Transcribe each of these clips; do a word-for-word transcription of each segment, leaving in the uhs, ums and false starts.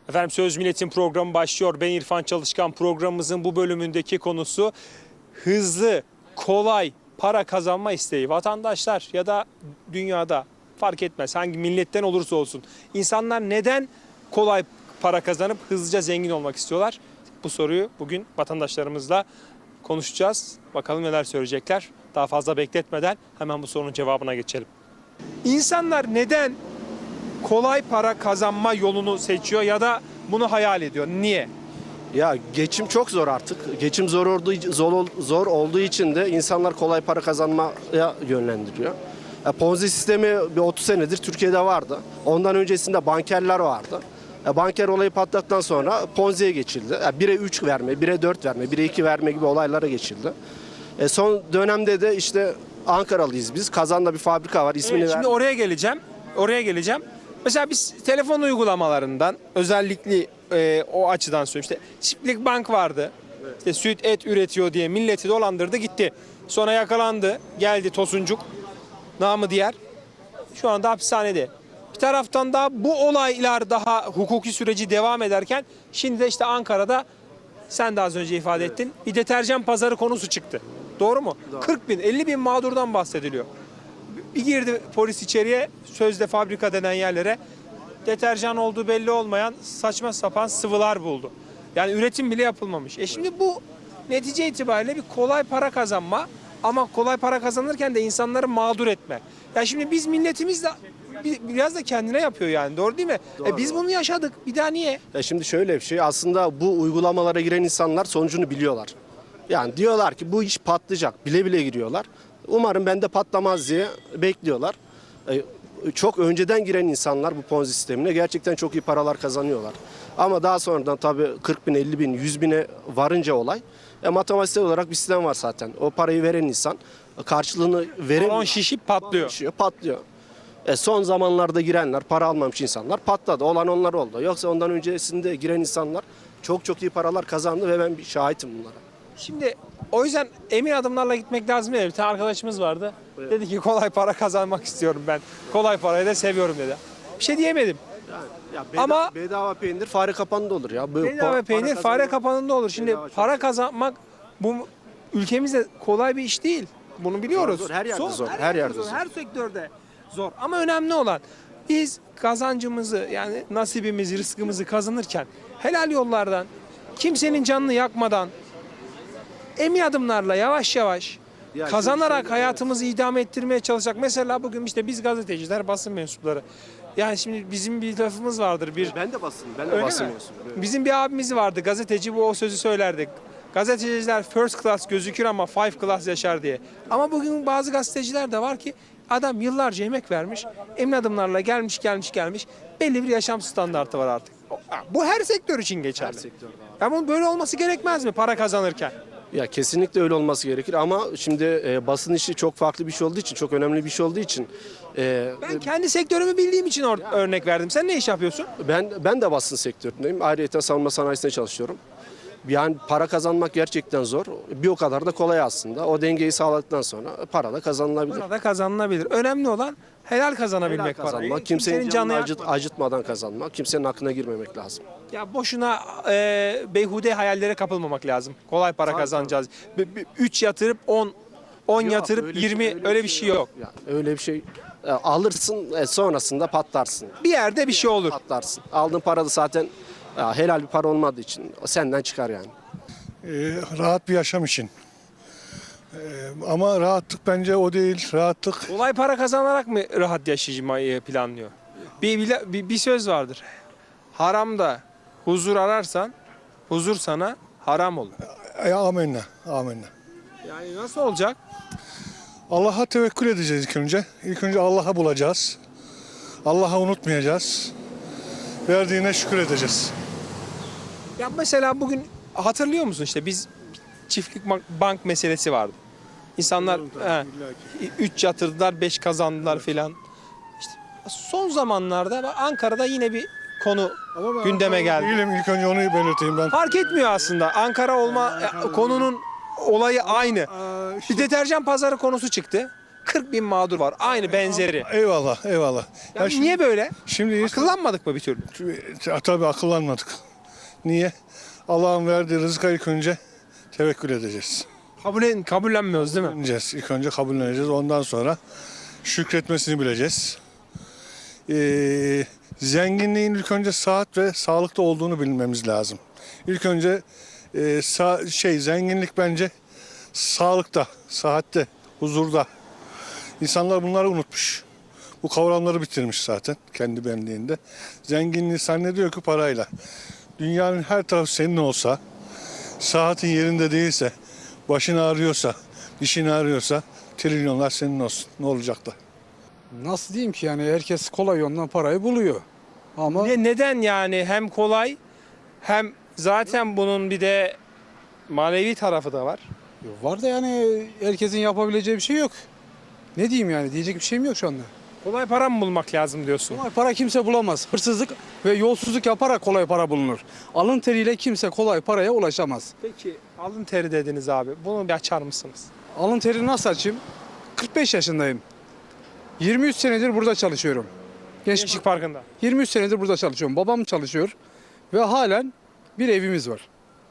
Efendim Söz Milletin programı başlıyor. Ben İrfan Çalışkan. Programımızın bu bölümündeki konusu hızlı, kolay para kazanma isteği. Vatandaşlar ya da dünyada fark etmez hangi milletten olursa olsun. İnsanlar neden kolay para kazanıp hızlıca zengin olmak istiyorlar? Bu soruyu bugün vatandaşlarımızla konuşacağız. Bakalım neler söyleyecekler. Daha fazla bekletmeden hemen bu sorunun cevabına geçelim. İnsanlar neden kolay para kazanma yolunu seçiyor ya da bunu hayal ediyor? Niye? Ya geçim çok zor artık. Geçim zor olduğu zor, zor olduğu için de insanlar kolay para kazanmaya yönlendiriyor. Ya Ponzi sistemi bir otuz senedir Türkiye'de vardı. Ondan öncesinde bankerler vardı. Ya banker olayı patlattıktan sonra Ponzi'ye geçildi. Ya bire üç verme, bire dört verme, bire iki verme gibi olaylara geçildi. E son dönemde de işte Ankaralıyız biz. Kazan'da bir fabrika var. İsmini Evet, şimdi ver. oraya geleceğim. Oraya geleceğim. Mesela biz telefon uygulamalarından özellikle e, o açıdan söylüyorum. İşte Çiftlik Bank vardı. İşte süt et üretiyor diye milleti dolandırdı gitti. Sonra yakalandı. Geldi Tosuncuk. Namı diğer. Şu anda hapishanede. Bir taraftan da bu olaylar daha hukuki süreci devam ederken şimdi de işte Ankara'da sen de az önce ifade ettin. Bir deterjan pazarı konusu çıktı. Doğru mu? Doğru. kırk bin, elli bin mağdurdan bahsediliyor. Bir girdi polis içeriye, sözde fabrika denen yerlere deterjan olduğu belli olmayan saçma sapan sıvılar buldu. Yani üretim bile yapılmamış. E şimdi bu netice itibariyle bir kolay para kazanma ama kolay para kazanırken de insanları mağdur etme. Ya şimdi biz milletimiz de biraz da kendine yapıyor yani, doğru değil mi? Doğru. E biz bunu yaşadık. Bir daha niye? Ya şimdi şöyle bir şey, aslında bu uygulamalara giren insanlar sonucunu biliyorlar. Yani diyorlar ki bu iş patlayacak, bile bile giriyorlar. Umarım bende patlamaz diye bekliyorlar. E, çok önceden giren insanlar bu Ponzi sistemine gerçekten çok iyi paralar kazanıyorlar. Ama daha sonradan tabii kırk bin, elli bin, yüz bine varınca olay, e, matematiksel olarak bir sistem var zaten. O parayı veren insan karşılığını veren Balon şişip patlıyor. şişiyor, patlıyor. E son zamanlarda girenler, para almamış insanlar patladı. Olan onlar oldu. Yoksa ondan öncesinde giren insanlar çok çok iyi paralar kazandı ve ben bir şahitim bunlara. Şimdi o yüzden emin adımlarla gitmek lazım değil mi? Bir tane arkadaşımız vardı. Evet. Dedi ki kolay para kazanmak istiyorum ben. Kolay parayı da seviyorum dedi. Bir şey diyemedim. Yani, ya bedava, Ama- bedava peynir fare kapanında olur ya. Bu Bedava para peynir kazanmak- fare kapanında olur. Şimdi Bedava çok para zor. kazanmak bu ülkemizde kolay bir iş değil. Bunu biliyoruz. Zor, zor. Her yerde zor, her yerde zor. Her sektörde zor. Ama önemli olan biz kazancımızı yani nasibimizi, rızkımızı kazanırken helal yollardan, kimsenin canını yakmadan emin adımlarla yavaş yavaş Ya kazanarak şimdi- hayatımızı idame ettirmeye çalışacak. Mesela bugün işte biz gazeteciler, basın mensupları. Yani şimdi bizim bir lafımız vardır. Bir Ben de basın, ben de Öyle basın mi? mensubuyum, evet. Bizim bir abimiz vardı gazeteci, bu o sözü söylerdi. Gazeteciler first class gözükür ama five class yaşar diye. Ama bugün bazı gazeteciler de var ki adam yıllarca emek vermiş, emin adımlarla gelmiş gelmiş gelmiş belli bir yaşam standartı var artık. Bu her sektör için geçerli. Her sektörde abi. Ama böyle olması gerekmez mi para kazanırken? Ya kesinlikle öyle olması gerekir ama şimdi e, basın işi çok farklı bir şey olduğu için, çok önemli bir şey olduğu için e, Ben kendi sektörümü bildiğim için or- örnek verdim. Sen ne iş yapıyorsun? ben ben de basın sektöründeyim. Ayrıca savunma sanayisinde çalışıyorum. Yani para kazanmak gerçekten zor. Bir o kadar da kolay aslında. O dengeyi sağladıktan sonra para da kazanılabilir. Burada kazanılabilir. Önemli olan helal kazanabilmek Helal kazanmak, parayı. kimsenin canını acıt, yakmadan. acıtmadan kazanmak, kimsenin aklına girmemek lazım. Ya boşuna e, beyhude hayallere kapılmamak lazım. Kolay para Tabii, kazanacağız. üç yatırıp on, on Yok, yatırıp öyle yirmi şey- öyle bir şey yok. Ya, öyle bir şey e, alırsın, e, sonrasında patlarsın. Bir yerde bir şey olur. Patlarsın. Aldığın para da zaten ya, helal bir para olmadığı için senden çıkar yani. Ee, rahat bir yaşam için. Ee, ama rahatlık bence o değil. Rahatlık Kolay para kazanarak mı rahat yaşamayı planlıyor? Bir, bir, bir, bir söz vardır. Haramda huzur ararsan huzur sana haram olur. e, amenna, amenna. Yani nasıl olacak? Allah'a tevekkül edeceğiz ilk önce. İlk önce Allah'a bulacağız. Allah'a unutmayacağız. Verdiğine şükür edeceğiz. Ya mesela bugün hatırlıyor musun işte biz çiftlik bank, bank meselesi vardı. İnsanlar üç yatırdılar, beş kazandılar filan. İşte son zamanlarda bak Ankara'da yine bir konu gündeme geldi. Değilim, ilk önce onu belirteyim ben. Fark etmiyor aslında. Ankara olma e, konunun olayı aynı. Bir deterjan pazarı konusu çıktı. kırk bin mağdur var. Aynı benzeri. Eyvallah, eyvallah. Ya şimdi, niye böyle? Şimdi Akıllanmadık mı bir türlü? tabii akıllanmadık. Niye? Allah'ın verdiği rızka ilk önce tevekkül edeceğiz. Kabul, kabullenmiyoruz değil mi? Kabulleneceğiz. İlk önce kabulleneceğiz. Ondan sonra şükretmesini bileceğiz. Ee, zenginliğin ilk önce sıhhat ve sağlıkta olduğunu bilmemiz lazım. İlk önce e, sa- şey zenginlik bence sağlıkta, sıhhatte, huzurda. İnsanlar bunları unutmuş. Bu kavramları bitirmiş zaten kendi benliğinde. Zenginliği zannediyor ki parayla. Dünyanın her tarafı senin olsa, sıhhatin yerinde değilse, başın ağrıyorsa, dişin ağrıyorsa trilyonlar senin olsun. Ne olacak da? Nasıl diyeyim ki yani herkes kolay yoldan parayı buluyor. Ama Ne, neden yani hem kolay hem zaten bunun bir de manevi tarafı da var. var da yani herkesin yapabileceği bir şey yok. Ne diyeyim yani diyecek bir şeyim yok şu anda. Kolay para mı bulmak lazım diyorsun? Kolay para kimse bulamaz. Hırsızlık ve yolsuzluk yaparak kolay para bulunur. Alın teriyle kimse kolay paraya ulaşamaz. Peki alın teri dediniz abi. Bunu bir açar mısınız? Alın terini nasıl açayım? kırk beş yaşındayım. yirmi üç senedir burada çalışıyorum. Gençlik Gençlik Parkı'nda. yirmi üç senedir burada çalışıyorum. Babam çalışıyor ve halen bir evimiz var.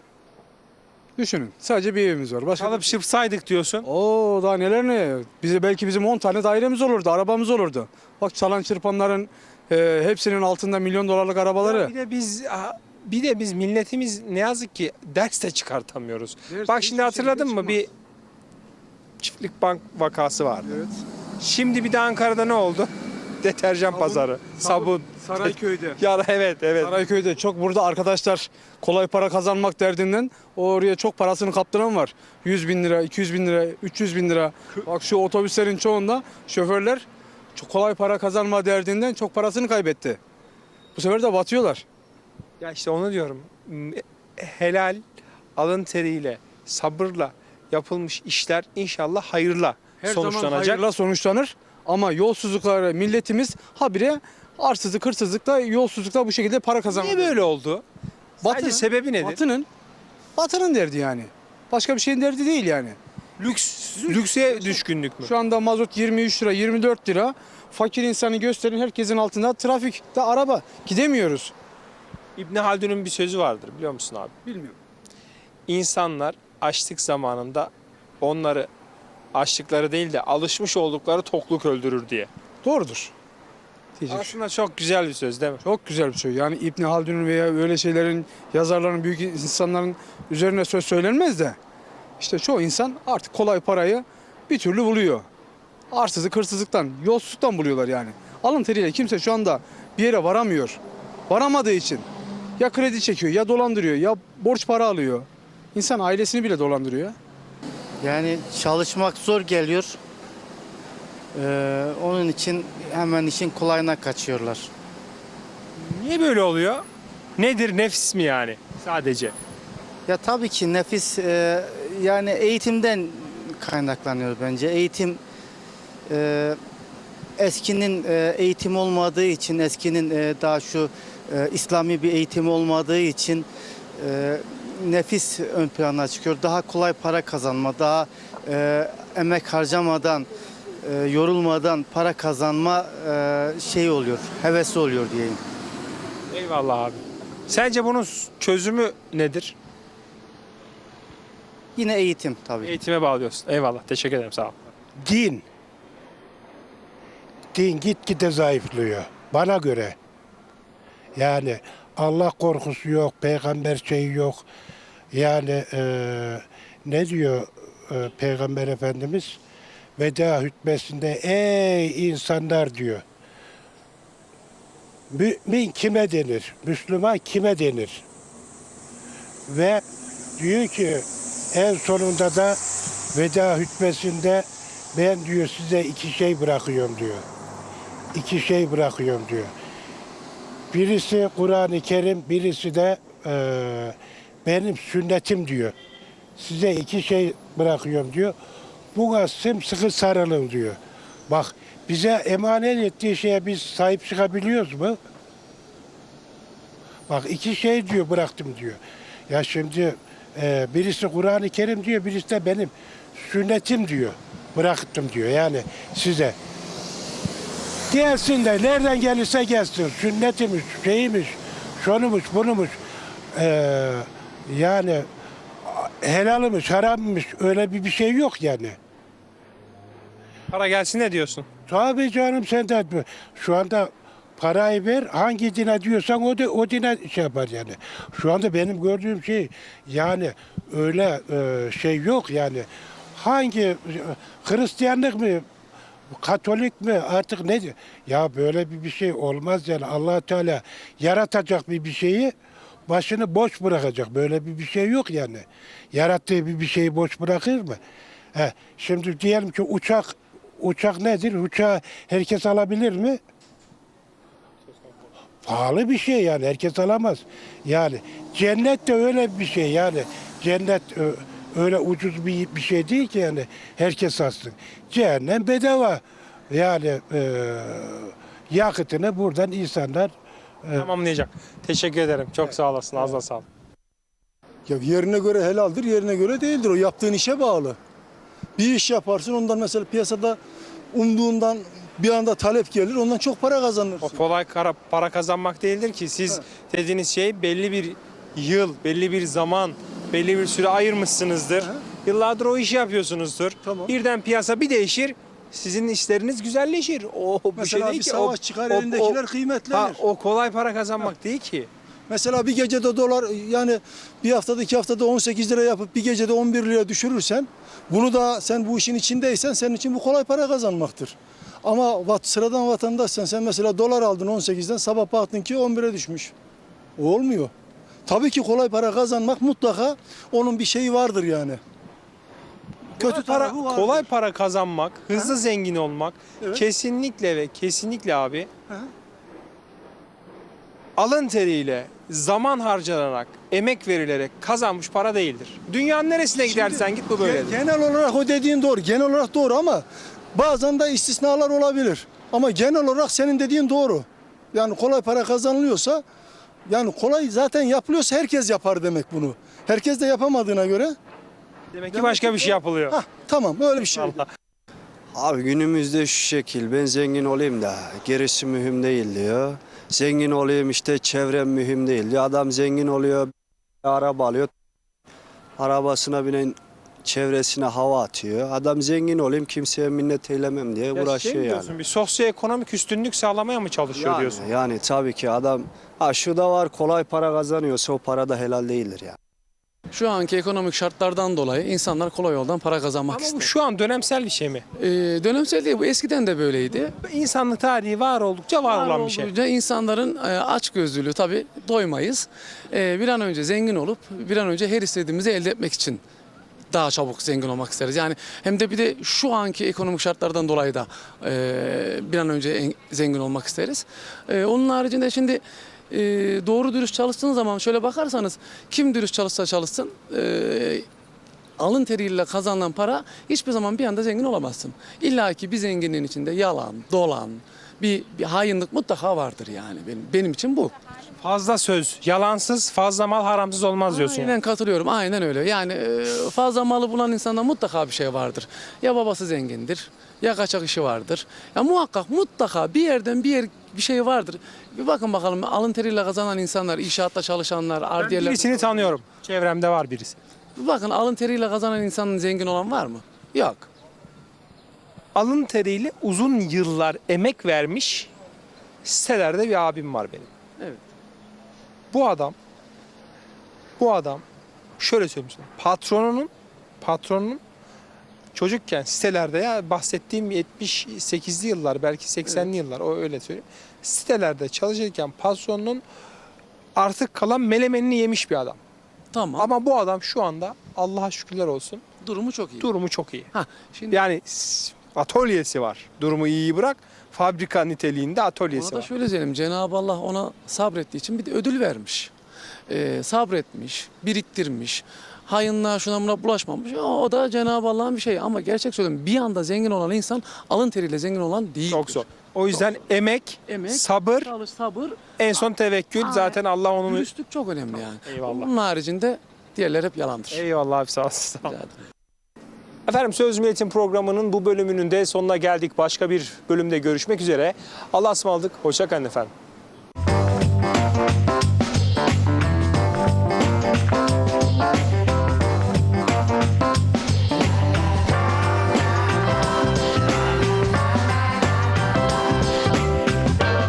Düşünün sadece bir evimiz var. Başka Çalıp çırpsaydık diyorsun. Oo daha neler ne? Bize belki bizim on tane dairemiz olurdu, arabamız olurdu. Bak çalan çırpanların e, hepsinin altında milyon dolarlık arabaları. Bir de biz bir de biz milletimiz ne yazık ki ders de çıkartamıyoruz. Ders Bak hiçbir şimdi hatırladın şekilde mı bir çiftlik bank vakası vardı. Evet. Şimdi bir de Ankara'da ne oldu? Deterjan pazarı, sabun. Sarayköy'de. Ya evet evet. Sarayköy'de çok burada arkadaşlar kolay para kazanmak derdinden oraya çok parasını kaptıran var. yüz bin lira, iki yüz bin lira, üç yüz bin lira. Bak şu otobüslerin çoğunda şoförler çok kolay para kazanma derdinden çok parasını kaybetti. Bu sefer de batıyorlar. Ya işte onu diyorum. Helal, alın teriyle, sabırla yapılmış işler inşallah hayırla Her zaman sonuçlanacak. hayırla sonuçlanır ama yolsuzluklara milletimiz habire arsızlık, hırsızlıkta, yolsuzlukta bu şekilde para kazanıyor. Niye böyle oldu? Sadece Batının- sebebi nedir? Batının, batının derdi yani. Başka bir şeyin derdi değil yani. Lüks, lükse düşkünlük mü? Şu anda mazot yirmi üç lira, yirmi dört lira. Fakir insanı gösterin herkesin altında trafikte araba. Gidemiyoruz. İbni Haldun'un bir sözü vardır biliyor musun abi? Bilmiyorum. İnsanlar açlık zamanında onları açlıkları değil de alışmış oldukları tokluk öldürür diye. Doğrudur. Diyecek bir şey. Aslında çok güzel bir söz değil mi? Çok güzel bir şey. Yani İbn Haldun'un veya öyle şeylerin, yazarların, büyük insanların üzerine söz söylenmez de işte çoğu insan artık kolay parayı bir türlü buluyor. Arsızlık, hırsızlıktan, yolsuzluktan buluyorlar yani. Alın teriyle kimse şu anda bir yere varamıyor. Varamadığı için ya kredi çekiyor, ya dolandırıyor, ya borç para alıyor. İnsan ailesini bile dolandırıyor. Yani çalışmak zor geliyor. Ee, onun için hemen işin kolayına kaçıyorlar. Niye böyle oluyor? Nedir nefis mi yani sadece? Ya tabii ki nefis e, yani eğitimden kaynaklanıyor bence. Eğitim e, eskinin e, eğitim olmadığı için, eskinin e, daha şu e, İslami bir eğitim olmadığı için e, nefis ön plana çıkıyor. Daha kolay para kazanma, daha e, emek harcamadan, e, yorulmadan para kazanma e, şey oluyor, hevesi oluyor diyeyim. Eyvallah abi. Sence bunun çözümü nedir? Yine eğitim tabii. Eğitime bağlıyorsun. Eyvallah. Teşekkür ederim. Sağ ol. Din. Din gitgide zayıflıyor. Bana göre. Yani Allah korkusu yok, peygamber şeyi yok. Yani eee, ne diyor eee, Peygamber Efendimiz? Veda hutbesinde ey insanlar diyor. Mümin kime denir? Müslüman kime denir? Ve diyor ki en sonunda da veda hutbesinde ben diyor size iki şey bırakıyorum diyor. İki şey bırakıyorum diyor. Birisi Kur'an-ı Kerim, birisi de eee, benim sünnetim diyor. Size iki şey bırakıyorum diyor. Buna sımsıkı sarılın diyor. Bak bize emanet ettiği şeye biz sahip çıkabiliyoruz mu? Bak iki şey diyor bıraktım diyor. Ya şimdi e, birisi Kur'an-ı Kerim diyor, birisi de benim sünnetim diyor. bıraktım diyor yani size. Gelsin de nereden gelirse gelsin. Sünnetimiz, şeyimiz, şunumuş, bunumuş. Ee, yani helalimiz, haramımız öyle bir bir şey yok yani. Para gelsin ne diyorsun? Tabii canım sen de şu anda parayı ver hangi dine diyorsan o da o dine şey yapar yani. Şu anda benim gördüğüm şey yani öyle e, şey yok yani. Hangi Hristiyanlık mı Katolik mi artık ne diyor? Ya böyle bir bir şey olmaz yani. Allah Teala yaratacak bir bir şeyi başını boş bırakacak. Böyle bir bir şey yok yani. Yarattığı bir bir şeyi boş bırakır mı? He, şimdi diyelim ki uçak uçak nedir? Uçağı herkes alabilir mi? Pahalı bir şey yani. Herkes alamaz. Yani cennet de öyle bir şey yani. Cennet ö- öyle ucuz bir bir şey değil ki yani. Herkes alsın. Cehennem bedava. Yani e, yakıtını buradan insanlar Tamamlayacak. Teşekkür ederim. Çok sağ olasın. Ağzına sağlık. Ya yerine göre helaldir, yerine göre değildir. O yaptığın işe bağlı. Bir iş yaparsın, ondan mesela piyasada umduğundan bir anda talep gelir, ondan çok para O kazanırsın. kolay kara- para kazanmak değildir ki. Siz dediğiniz şey belli bir yıl, belli bir zaman, belli bir süre ayırmışsınızdır. Yıllardır o işi yapıyorsunuzdur. Tamam. Birden piyasa bir değişir. Sizin işleriniz güzelleşir. O bir Mesela şey değil bir ki. savaş O- çıkar, o- elindekiler o- kıymetlenir. Ha, o kolay para kazanmak değil ki. Mesela bir gecede dolar yani bir haftada iki haftada on sekiz lira yapıp bir gecede on bir liraya düşürürsen bunu da sen bu işin içindeysen senin için bu kolay para kazanmaktır. Ama vat, sıradan vatandaşsan sen mesela dolar aldın on sekizden sabah baktın ki on bire düşmüş. O olmuyor. Tabii ki kolay para kazanmak mutlaka onun bir şeyi vardır yani. Kötü Kötü para, tarafı vardır. kolay para kazanmak, hızlı zengin olmak Evet. kesinlikle ve kesinlikle abi Hı hı. alın teriyle, zaman harcanarak, emek verilerek kazanmış para değildir. Dünyanın neresine gidersen git bu Ge- böyledir. Genel olarak o dediğin doğru. Genel olarak doğru ama bazen de istisnalar olabilir. Ama genel olarak senin dediğin doğru. Yani kolay para kazanılıyorsa yani kolay zaten yapılıyorsa herkes yapar demek bunu. Herkes de yapamadığına göre Demek ki başka bir şey yapılıyor. hah tamam öyle bir şey. Allah. Abi günümüzde şu şekil, ben zengin olayım da gerisi mühim değil diyor. Zengin olayım işte çevrem mühim değil diyor. Adam zengin oluyor, araba alıyor. Arabasına binen çevresine hava atıyor. Adam zengin olayım kimseye minnet eylemem diye Ya şey uğraşıyor mi yani. diyorsun, bir sosyoekonomik üstünlük sağlamaya mı çalışıyor Yani, diyorsun? yani tabii ki adam ha şu da var kolay para kazanıyorsa o para da helal değildir yani. Şu anki ekonomik şartlardan dolayı insanlar kolay yoldan para kazanmak Ama bu istiyor. şu an dönemsel bir şey mi? Ee, dönemsel değil bu, eskiden de böyleydi. İnsanlık tarihi var oldukça var, olan bir şey. Olduğunca insanların e, açgözlülüğü tabii doymayız. E, bir an önce zengin olup bir an önce her istediğimizi elde etmek için daha çabuk zengin olmak isteriz. Yani hem de bir de şu anki ekonomik şartlardan dolayı da e, bir an önce en- zengin olmak isteriz. E, onun haricinde şimdi e, doğru dürüst çalıştığınız zaman şöyle bakarsanız kim dürüst çalışsa çalışsın e, alın teriyle kazanılan para hiçbir zaman bir anda zengin olamazsın. İlla ki bir zenginliğin içinde yalan, dolan, bir, bir hainlik mutlaka vardır yani benim benim için bu. Fazla söz, yalansız, fazla mal haramsız olmaz diyorsun. Aynen yani. katılıyorum. Aynen öyle. Yani e, fazla malı bulan insanda mutlaka bir şey vardır. Ya babası zengindir, ya kaçak işi vardır. Ya muhakkak mutlaka bir yerden bir yer bir şey vardır. Bir bakın bakalım alın teriyle kazanan insanlar, inşaatta çalışanlar, Ben ardiyeler. birisini tanıyorum. Çevremde var birisi. Bir bakın alın teriyle kazanan insanın zengin olan var mı? Yok. Alın teriyle uzun yıllar emek vermiş sitelerde bir abim var benim. Evet. Bu adam bu adam şöyle söyleyeyim sana. Patronunun patronunun çocukken sitelerde ya bahsettiğim yetmiş sekizli yıllar belki seksenli yıllar o öyle söyleyeyim. Sitelerde çalışırken patronunun artık kalan melemenini yemiş bir adam. Tamam. Ama bu adam şu anda Allah'a şükürler olsun durumu çok iyi. durumu çok iyi. Ha, şimdi Yani s- atölyesi var. Durumu iyiyi bırak. Fabrika niteliğinde atölyesi ona da var. şöyle söyleyeyim. Cenab-ı Allah ona sabrettiği için bir de ödül vermiş. Ee, sabretmiş, biriktirmiş. Hayınlığa şuna buna bulaşmamış. O, o da Cenab-ı Allah'ın bir şeyi. Ama gerçek söylüyorum bir anda zengin olan insan alın teriyle zengin olan değildir. Çok zor. O yüzden emek, Emek, sabır, çalış, sabır, en son tevekkül. Aynen. Zaten Allah onu... dürüstlük çok önemli yani. Eyvallah. Bunun haricinde diğerler hep yalandır. Eyvallah abi sağ olasın. Sağ ol. Rica ederim. Efendim Söz Milletin programının bu bölümünün de sonuna geldik. Başka bir bölümde görüşmek üzere. Allah'a ısmarladık. Hoşça kalın efendim.